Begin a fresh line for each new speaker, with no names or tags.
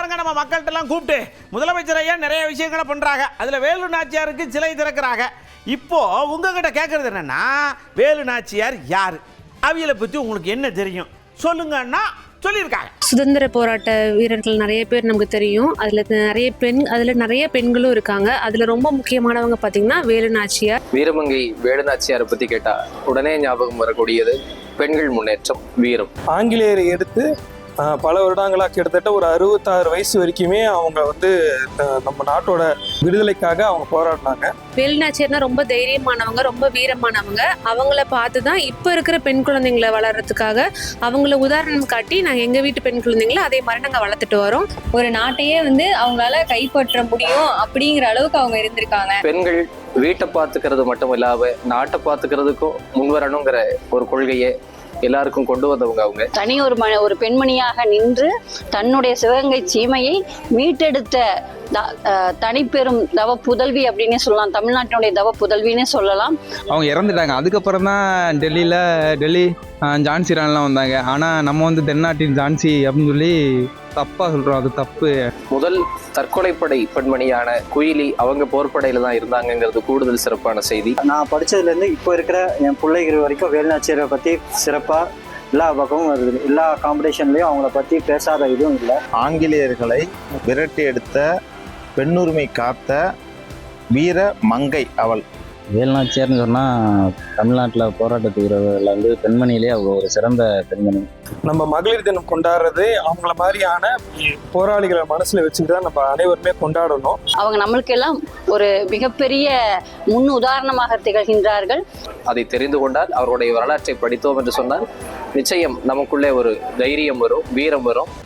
பாருங்க நம்ம மக்கள்கிட்டலாம் கூப்பிட்டு முதலமைச்சர் ஐயா நிறைய விஷயங்களை பண்ணுறாங்க. அதில் வேலு நாச்சியாருக்கு சிலை திறக்கிறாங்க. இப்போ உங்ககிட்ட கேட்குறது என்னன்னா, வேலு நாச்சியார் யார், அவியலை பற்றி உங்களுக்கு என்ன தெரியும் சொல்லுங்கன்னா சொல்லியிருக்காங்க.
சுதந்திர போராட்ட வீரர்கள் நிறைய பேர் நமக்கு தெரியும். அதில் நிறைய பெண்களும் இருக்காங்க. அதில் ரொம்ப முக்கியமானவங்க பார்த்தீங்கன்னா வேலு நாச்சியார்.
வீரமங்கை வேலு நாச்சியாரை பற்றி கேட்டால் உடனே ஞாபகம் வரக்கூடியது பெண்கள் முன்னேற்றம், வீரம்.
ஆங்கிலேயரை எடுத்து பல வருடங்களாக கிட்டத்தட்ட ஒரு 66 வயசு வரைக்குமே அவங்க நம்ம நாட்டோட விடுதலைக்காக அவங்க போராடினாங்க.
வேலு நாச்சியார்னா ரொம்ப தைரியமானவங்க, ரொம்ப வீரமானவங்க. அவங்கள பார்த்து தான் இப்போ இருக்கிற பெண் குழந்தைங்களை வளர்றதுக்காக அவங்கள உதாரணம் காட்டி நாங்கள் எங்கள் வீட்டு பெண் குழந்தைங்களை அதே மாதிரி நாங்கள் வளர்த்துட்டு வரோம்.
ஒரு நாட்டையே அவங்களால கைப்பற்ற முடியும் அப்படிங்கிற அளவுக்கு அவங்க இருந்திருக்காங்க.
பெண்கள் வீட்டை பார்த்துக்கிறது மட்டும் இல்லாம நாட்டை பார்த்துக்கிறதுக்கும் முன்வரணுங்கிற ஒரு கொள்கையை எல்லாருக்கும் கொண்டு வந்தவங்க அவங்க.
தனி ஒரு பெண்மணியாக நின்று தன்னுடைய சிவகங்கை சீமையை மீட்டெடுத்த தனிப்பெரும் தவ புதல்வி அப்படின்னு சொல்லலாம். தமிழ்நாட்டினுடைய தவ புதல்வின்னு சொல்லலாம்.
அவங்க இறந்துட்டாங்க. அதுக்கப்புறம் தான் டெல்லி ஜான்சி ராணிலாம் வந்தாங்க. ஆனால் நம்ம தென்னாட்டின் ஜான்சி அப்படின்னு சொல்லி தப்பாக சொல்கிறோம். அது தப்பு. முதல்
தற்கொலைப்படை பெண்மணியான குயிலி அவங்க போர்ப்படையில தான் இருந்தாங்கிறது கூடுதல் சிறப்பான செய்தி.
நான் படித்ததுலேருந்து இப்போ இருக்கிற என் பிள்ளைகள் வரைக்கும் வேலு நாச்சியாரை பற்றி சிறப்பாக எல்லா பக்கமும் வருது. எல்லா காம்படிஷன்லேயும் அவங்கள பற்றி பேசாத இதுவும் இல்லை.
ஆங்கிலேயர்களை விரட்டி எடுத்த, பெண்ணுரிமை காத்த வீர மங்கை அவள்.
வேலு நாச்சியார்னு சொன்னால் தமிழ்நாட்டில் போராட்டத்து வீரர்கள் பெண்மணியிலே அவங்க ஒரு சிறந்த பெண்மணி.
நம்ம மகளிர் தினம் கொண்டாடுறது அவங்கள மாதிரியான போராளிகளை மனசில் வச்சுட்டு தான் நம்ம அனைவருமே கொண்டாடணும்.
அவங்க நம்மளுக்கு எல்லாம் ஒரு மிகப்பெரிய முன் உதாரணமாக திகழ்கின்றார்கள்.
அதை தெரிந்து கொண்டால், அவருடைய வரலாற்றை படித்தோம் என்று சொன்னால் நிச்சயம் நமக்குள்ளே ஒரு தைரியம் வரும், வீரம் வரும்.